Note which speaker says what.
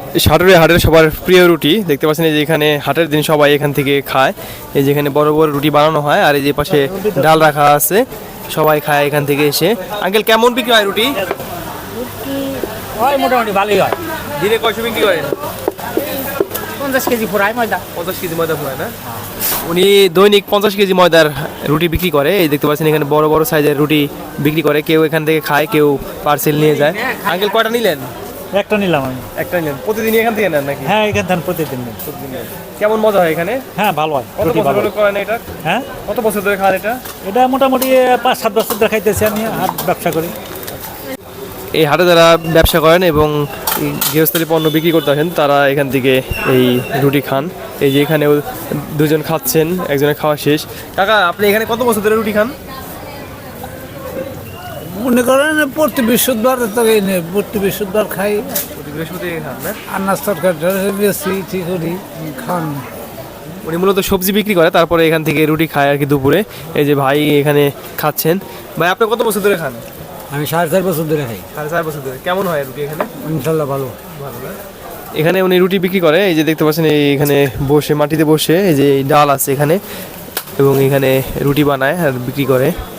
Speaker 1: সাটুরে হাটের সবার প্রিয় রুটি দেখতে পাচ্ছেন, এই যে এখানে হাটের দিন সবাই এখান থেকে খায়। এই যে এখানে বড় বড় রুটি বানানো হয়, আর এই যে পাশে ডাল রাখা আছে, সবাই খায় এখান থেকে এসে। আঙ্কেল, কেমন বিক্রি হয় রুটি?
Speaker 2: হয় মোটামুটি ভালোই হয়।
Speaker 1: দিনে কয়শো বিক্রি করেন?
Speaker 2: 50 কেজি ফুরায় ময়দা।
Speaker 1: 50 কেজি ময়দা ফুরায় না? উনি দৈনিক 50 কেজি ময়দার রুটি বিক্রি করে। এই দেখতে পাচ্ছেন এখানে বড় বড় সাইজের রুটি বিক্রি করে, কেউ এখান থেকে খায়, কেউ পার্সেল নিয়ে যায়। আঙ্কেল, কয়টা নিলেন?
Speaker 3: একটা নিলাম আমি।
Speaker 1: একটা নিলেন? প্রতিদিনই এখান থেকে নেন নাকি?
Speaker 3: হ্যাঁ, এখান থেকে প্রতিদিন নিই।
Speaker 1: কেমন মজা হয় এখানে?
Speaker 3: হ্যাঁ, ভালো হয়।
Speaker 1: কত
Speaker 3: রুটি
Speaker 1: বছর
Speaker 3: ভালো।
Speaker 1: ধরে করেন এটা?
Speaker 3: হ্যাঁ,
Speaker 1: কত বছর ধরে খান এটা?
Speaker 3: এটা মোটামুটি 5-7 বছর ধরে খাইতেছি আমি, হাট ব্যবসা করি।
Speaker 1: এই হাটে যারা ব্যবসা করেন এবং গৃহস্থলী পণ্য বিক্রি করতে আসেন, তারা এখান থেকে এই রুটি খান। এই যে এখানেও দুজন খাচ্ছেন, একজনের খাওয়া শেষ। কাকা, আপনি এখানে কত বছর ধরে রুটি খান?
Speaker 4: মনে করেন প্রতি বৃহস্পতিবার তো প্রতি বৃহস্পতিবার খাই,
Speaker 1: প্রতি বৃহস্পতিবার খান না?
Speaker 4: আর নাস্তার বেশি ঠিক করি খান।
Speaker 1: উনি মূলত সবজি বিক্রি করে, তারপরে এখান থেকে রুটি খায় আর কি দুপুরে। এই যে ভাই এখানে খাচ্ছেন। ভাই, আপনি কত বছর ধরে খান?
Speaker 4: আমি 4.5 বছর ধরে খাই।
Speaker 1: 4.5 বছর ধরে। কেমন হয় রুটি এখানে?
Speaker 4: ইনশাল্লাহ ভালো।
Speaker 1: ভালো না? এখানে উনি রুটি বিক্রি করে। এই যে দেখতে পাচ্ছেন, এখানে বসে মাটিতে বসে, এই যে ডাল আছে এখানে, এবং এখানে রুটি বানায় আর বিক্রি করে।